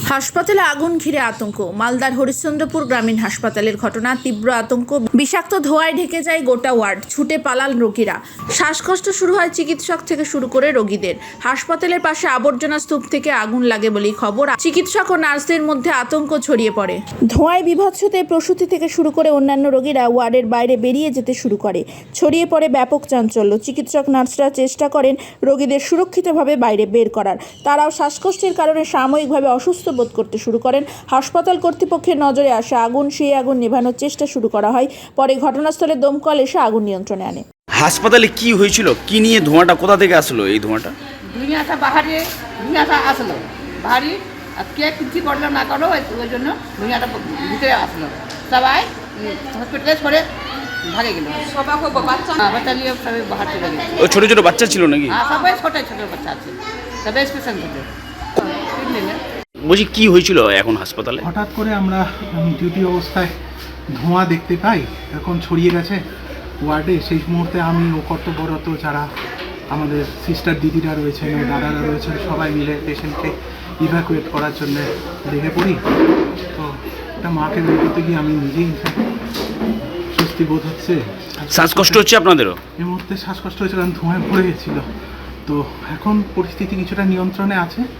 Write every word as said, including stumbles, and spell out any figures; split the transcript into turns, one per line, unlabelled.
হাসপাতালে আগুন ঘিরে আতঙ্ক। মালদার হরিশ্চন্দ্রপুর গ্রামীণ হাসপাতালের ঘটনা, তীব্র আতঙ্ক। বিষাক্ত ধোঁয়ায় ঢেকে যায় গোটা ওয়ার্ড। ছুটে পালাল রোগীরা। শ্বাসকষ্ট শুরু হয় চিকিৎসক থেকে শুরু করে রোগীদের। হাসপাতালের পাশে আবর্জনা স্তূপ থেকে আগুন লাগে বলেই খবর। চিকিৎসক ও নার্সদের মধ্যে আতঙ্ক ছড়িয়ে পড়ে। ধোঁয়ায় বিভৎসতে প্রসূতি থেকে শুরু করে অন্যান্য রোগীরা ওয়ার্ডের বাইরে বেরিয়ে যেতে শুরু করে। ছড়িয়ে পড়ে ব্যাপক চাঞ্চল্য। চিকিৎসক নার্সরা চেষ্টা করেন রোগীদের সুরক্ষিতভাবে বাইরে বের করার। তারাও শ্বাসকষ্টের কারণে সাময়িকভাবে অসুস্থ বোধ করতে শুরু করেন। হাসপাতাল কর্তৃপক্ষের নজরে আসে আগুন। সেই আগুন নেভানোর চেষ্টা শুরু করা হয়। পরে ঘটনাস্থলে দমকল এসে আগুন নিয়ন্ত্রণে আনে।
হাসপাতালে কি হয়েছিল, কি নিয়ে ধোঁয়াটা কোথা থেকে আসলো? এই ধোঁয়াটা
দুনিয়াটা বাহারে দুনিয়াটা আসলো বাহারি, আর কে কিছু করলো না করলো ওই জন্য দুনিয়াটা ভিতরে আসলো। সবাই হসপিটালে সরে ভাগে গেল। বাচ্চা নিয়ে সবাই বাহার চলে গেল।
ওই ছোট ছোট বাচ্চা ছিল নাকি?
হ্যাঁ, সবাই ছোট ছোট বাচ্চা আছে, সবাই স্পেশাল থেকে।
বলছি কি হয়েছিল এখন হাসপাতালে?
হঠাৎ করে আমরা ডিউটি অবস্থায় ধোঁয়া দেখতে পাই, এখন ছড়িয়ে গেছে ওয়ার্ডে। সেই মুহূর্তে আমি ও কর্তব্যরত যারা আমাদের সিস্টার দিদিরা রয়েছেন, দাদারা রয়েছেন, সবাই মিলে পেশেন্টকে ইভ্যাকুয়েট করার জন্য লেগে পড়ি। তো একটা মাকে বের করতে গিয়ে আমি নিজেই স্বস্তি বোধ হচ্ছে।
শ্বাসকষ্ট হচ্ছে আপনাদেরও?
এই মুহূর্তে শ্বাসকষ্ট হয়েছে, কারণ ধোঁয়ায় ভরে গেছিলো। তো এখন পরিস্থিতি কিছুটা নিয়ন্ত্রণে আছে।